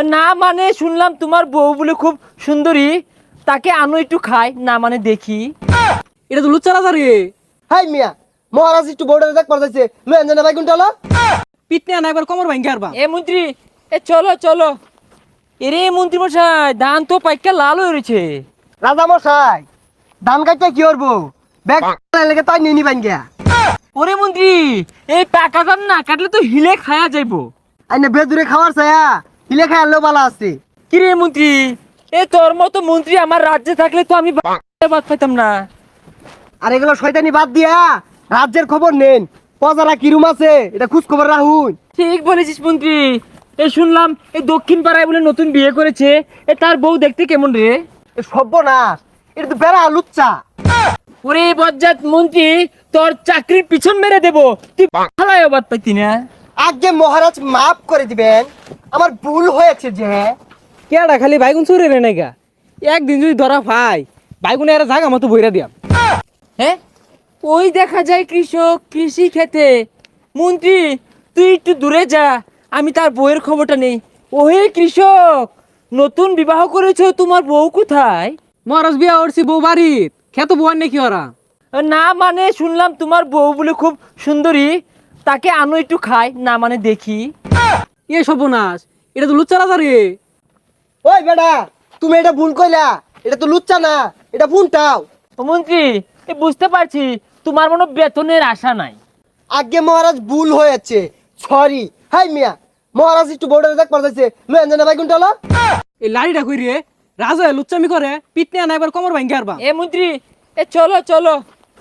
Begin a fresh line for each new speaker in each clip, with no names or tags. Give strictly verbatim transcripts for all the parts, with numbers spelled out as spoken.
না মানে শুনলাম তোমার বউ বলে খুব সুন্দরী, তাকে আনো একটু খাই, না মানে দেখি।
এটা তো লুচ্চা রাজা রে।
হাই মিয়া, মহারাজ একটু বোর্ডারে দেখ পারতেছে লয়ে জানা ভাই কোনটা হলো?
পিটনে আনা একবার কোমর ভাঙ্গি আরবা।
এ মন্ত্রী, এ চলো চলো। এরে মন্ত্রী মশাই, ধান তো পাইকা লাল হয়ে রয়েছে।
রাজা মশাই, ধান কাটতে কি করবো? ব্যাগ লেগে তাই নিয়ে নিবেন গিয়া।
ওরে মন্ত্রী, এই পাকা ধান না কাটলে তো হিলে খায়া যাইবো।
আইনে বেদুরে খাওয়ার ছায়া হিলে খাই আনলেও ভালো আছে।
কিরে মন্ত্রী, এ তোর মতো মন্ত্রী আমার রাজ্যে থাকলে তো আমি বাদ পাইতাম না।
আর এগুলো শয়তানি বাদ দিয়া রাজ্যের খবর নেন। প্রজারা কিরুম আছে এটা খোঁজ খবর রাখুন।
ঠিক বলেছিস মন্ত্রী। এ শুনলাম এই দক্ষিণ পাড়ায় বলে নতুন বিয়ে করেছে, এ তার বউ দেখতে কেমন রে?
এ সর্বনাশ, এটা তো বেড়া লুচ্চা।
ওরে বজ্জাত মন্ত্রী, তোর চাকরির পিছন মেরে দেবো, তুই ভালাই বাদ পাইতি না।
আগে মহারাজ মাফ করে দিবেন, আমার ভুল হয়েছে যে।
কেডা খালি বাইগুন চুরে রে নাইগা। একদিন যদি ধরা পাই বাইগুনে এরা জাগা মতো বইরা দিয়াম।
হ্যাঁ, ওই দেখা যায় কৃষক কৃষি খেতে। মন্ত্রী তুই একটু দূরে যা, আমি তার বউয়ের খবরটা নেই। ওহে কৃষক, নতুন বিবাহ করেছো, তোমার বউ কোথায়?
মহারাজ বিয়া করছি বউ বাড়িত, খেত বউয়ার নাকি ওরা।
না মানে শুনলাম তোমার বউ বলে খুব সুন্দরী, তাকে আনো একটু খাই, না মানে দেখি।
এ সর্বনাশ, এটা তো লুচ্চা রাজা রে।
ওই বেটা, তুমি এটা ভুল কইলা, এটা তো লুচ্চা না, এটা ভুলটাও।
ও মন্ত্রী, এ বুঝতে পারছি তোমার মনে বেতনের আশা নাই।
আগে মহারাজ ভুল হয়েছে, সরি। হাই মিয়া, মহারাজ একটু বোর্ডারে দেখ পারতেছে লয়ে জানা ভাই কোনটা হলো?
এই লাড়িটা কই রে, রাজা লুচ্চামি করে পিটনে আনা একবার কোমর ভাঙ্গি আরবা।
এ মন্ত্রী, এ চলো চলো।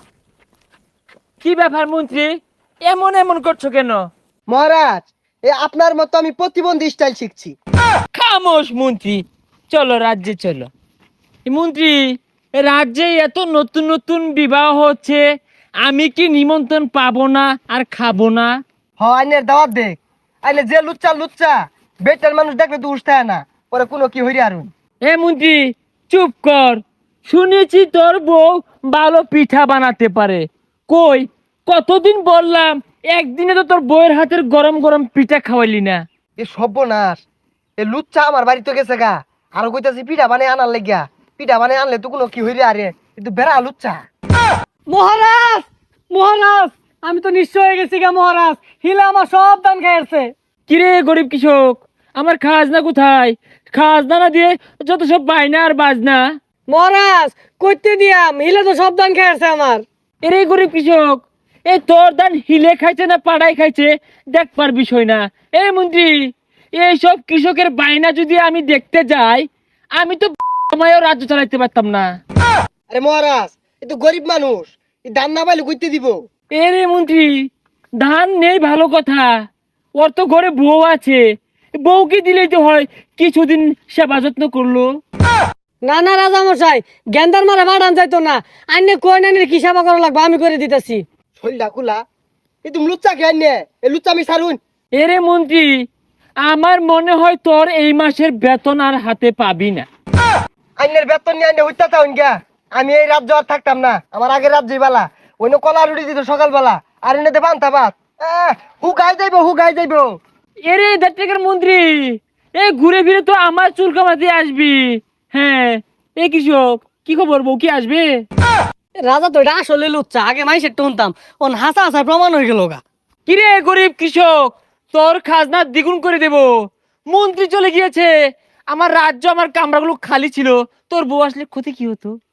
কি ব্যাপার মন্ত্রী, এমন এমন করছো কেন?
মহারাজ, এ আপনার মতো আমি প্রতিবন্ধী স্টাইল শিখছি।
খামোশ মন্ত্রী, চলো রাজ্যে চলো। এ মন্ত্রী, এ রাজ্যে এত নতুন নতুন বিবাহ হচ্ছে, আমি কি নিমন্ত্রণ পাবো না আর খাবো না?
হ, আইনের দাওয়াত দেখ। আইনে যে লুচ্চা লুচ্চা বেটার মানুষ দেখলে তো উঠতে না, পরে কোনো কি হইরে আরুন।
এ মন্ত্রী চুপ কর। শুনেছি তোর বউ ভালো পিঠা বানাতে পারে। কই, কতদিন বললাম, একদিনে তো তোর বউয়ের হাতের গরম গরম পিঠা খাওয়াইলি না।
এ সর্বনাশ, এ লুচ্চা আমার বাড়িতে গেছে গা। আরো কইতাছি পিঠা বানাই আনার লাগিয়া। পিঠা বানাই আনলে তো কোনো কি হইরে আরে, কিন্তু বেড়া লুচ্চা।
মহারাজ, মহারাজ, আমি তো নিশ্চয় হয়ে গেছি গা মহারাজ, হিলা আমার সব দান খাইছে।
কিরে গরিব কৃষক, আমার খাজনা কোথায়? খাজনা না দিয়ে যত সব বায়না আর বাজনা।
মহারাজ কইতে দিয়াম, হিলা তো সব দান খাইছে আমার।
এরে গরিব কৃষক, এই তোর দান হিলে খাইছে না পাড়াই খাইছে দেখবার বিষয় না। এই মন্ত্রী, এইসব কৃষকের বায়না যদি আমি দেখতে যাই, আমি তো সময়ও রাজ্য চালাইতে পারতাম না।
আরে মহারাজ, এ তো গরিব মানুষ, এই দান না পাইলে কইতে দিব।
এরে মন্ত্রী, ধান নেই ভালো কথা, ওর তো ঘরে বউ আছে, বউকে দিলেই তো হয়, কিছুদিন সেবা যত্ন করলো।
না না রাজা মশাই, গেন্দার মারা বাড়ান যাইতো না। আইনে কই নানির কি সেবা করা লাগবে আমি করে দিতেছি।
শৈলটা খোলা, এ তুমি লুচ্চা খেয়ে নে, এ লুচ্চা আমি সারুন।
এরে মন্ত্রী, আমার মনে হয় তোর এই মাসের বেতন আর হাতে পাবি না।
আইনের বেতন নিয়ে আইনে হইতা তাউন গা। আমি এই রাজ্য আর থাকতাম না, আমার আগের রাজ্যই বালা। অন্য কলা রুটি দিত সকালবেলা, আর এনে দেবান তাবাত হুগাই যাইব হুগাই যাইব।
এরে দেড়টাকার মন্ত্রী, এ ঘুরে ফিরে তো আমার চুল কামাতে আসবি। হ্যাঁ, এ কৃষক, কি খবর, বউ কি আসবে?
রাজা তো এটা আসলে লুচ্চা, আগে মাইসের টনতাম, ওন হাসা হাসা প্রমাণ হয়ে গেল গা।
কিরে গরিব কৃষক, তোর খাজনা দ্বিগুণ করে দেব। মন্ত্রী চলে গিয়েছে, আমার রাজ্য আমার কামরাগুলো খালি ছিল, তোর বউ আসলে ক্ষতি কি হতো?